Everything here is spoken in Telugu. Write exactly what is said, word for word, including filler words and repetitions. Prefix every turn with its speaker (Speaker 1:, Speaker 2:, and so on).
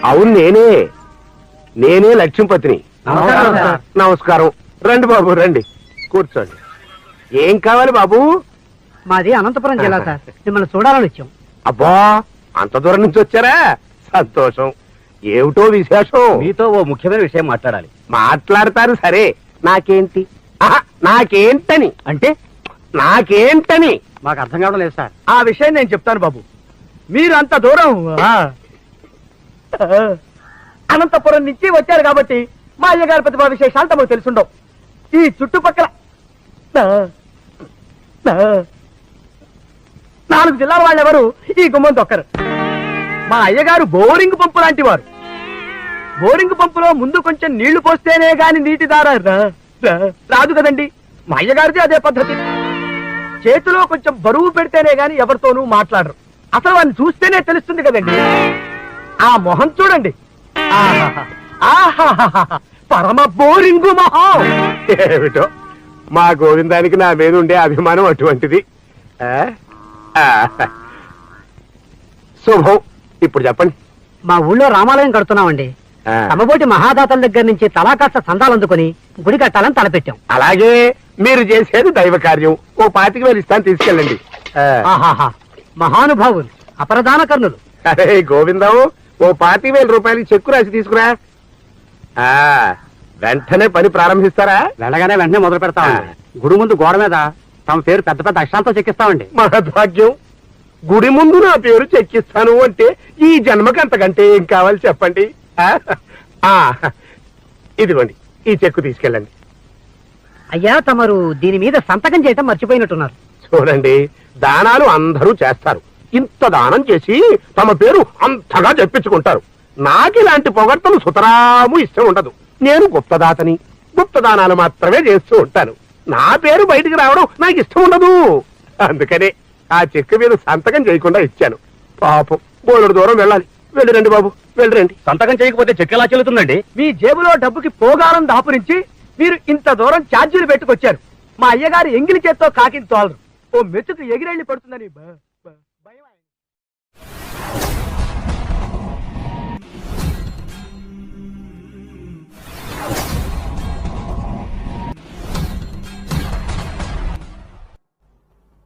Speaker 1: అవును నేనే నేనే లక్ష్మీపతిని. నమస్కారం. రండి బాబు రండి, కూర్చోండి. ఏం కావాలి బాబు?
Speaker 2: మాది అనంతపురం జిల్లా సార్, మిమ్మల్ని చూడాలని వచ్చాం.
Speaker 1: అబ్బా, అంత దూరం నుంచి వచ్చారా? సంతోషం. ఏమిటో విశేషం?
Speaker 3: మీతో ఓ ముఖ్యమైన విషయం మాట్లాడాలి.
Speaker 1: మాట్లాడతారు సరే, నాకేంటి? ఆహా, నాకేంటని
Speaker 3: అంటే
Speaker 1: నాకేంటని
Speaker 3: మాకు అర్థం కావడం లేదు సార్.
Speaker 2: ఆ విషయం నేను చెప్తాను బాబు. మీరు అంత దూరం అనంతపురం నుంచి వచ్చారు కాబట్టి మా అయ్యగారి ప్రతిభా విశేషాలు తమకు తెలుసుండవు. ఈ చుట్టుపక్కల నాలుగు జిల్లాల వాళ్ళెవరు ఈ గుమ్మం దొక్కరు. మా అయ్యగారు బోరింగ్ పంపు లాంటి వారు. బోరింగ్ పంపులో ముందు కొంచెం నీళ్లు పోస్తేనే గాని నీటి దార రాదు కదండి. మా అయ్యగారిది అదే పద్ధతి. చేతిలో కొంచెం బరువు పెడితేనే గాని ఎవరితోనూ మాట్లాడరు. అసలు వాడిని చూస్తేనే తెలుస్తుంది కదండి. ఆ మొహం చూడండి, పరమ బోరింగు మొహం.
Speaker 1: ఏమిటో మా గోవిందానికి నా మీద ఉండే అభిమానం అటువంటిది. శుభం. ఇప్పుడు చెప్పండి.
Speaker 2: మా ఊళ్ళో రామాలయం కడుతున్నామండి. తమబోటి మహాదాతల దగ్గర నుంచి తలా కాస్త సందాలు అందుకుని గుడి కట్టాలని తలపెట్టాం.
Speaker 1: అలాగే మీరు చేసేది దైవ కార్యం. ఓ పాతిక వేలు ఇస్తాను, తీసుకెళ్ళండి.
Speaker 2: మహానుభావులు, అపరదాన కర్ణులు.
Speaker 1: అరే గోవిందం, ఓ పాతిక వేల రూపాయలకి చెక్కు రాసి తీసుకురా. ఆ వెంటనే పని ప్రారంభిస్తారా?
Speaker 3: వెళ్ళగానే వెంటనే మొదలు పెడతామండి. గుడి ముందు గోడ మీద తమ పేరు పెద్ద పెద్ద అక్షరాలతో చెక్కిస్తామండి.
Speaker 1: మహద్భాగ్యం. గుడి ముందు నా పేరు చెక్కిస్తాను అంటే ఈ జన్మకి అంతకంటే ఏం కావాలి చెప్పండి. ఇదిగోండి, ఈ చెక్కు తీసుకెళ్ళండి.
Speaker 2: అయ్యా, తమరు దీని మీద సంతకం చేయటం మర్చిపోయినట్టున్నారు.
Speaker 1: చూడండి, దానాలు అందరూ చేస్తారు. ఇంత దానం చేసి తమ పేరు అంతగా చెప్పించుకుంటారు. నాకు ఇలాంటి పొగడ్తలు సుతరాము ఇష్టం ఉండదు. నేను గుప్తదాతని. గుప్తదానాలు మాత్రమే చేస్తూ ఉంటాను. నా పేరు బయటికి రావడం నాకు ఇష్టం ఉండదు. అందుకనే ఆ చెక్కు మీద సంతకం చేయకుండా ఇచ్చాను. పాపం బోలెడు దూరం వెళ్ళాలి. వెళ్ళిరండి బాబు, వెళ్ళిరండి.
Speaker 3: సంతకం చేయకపోతే చెక్ ఎలా చెల్లుతుందండి?
Speaker 2: మీ జేబులో డబ్బుకి పోగారం దాపురించి మీరు ఇంత దూరం ఛార్జీలు పెట్టుకొచ్చారు. మా అయ్యగారు ఎంగిలి చేత్తో కాకిని తోలరు. ఓ మెతుకు ఎగిరెళ్ళి పడుతుందని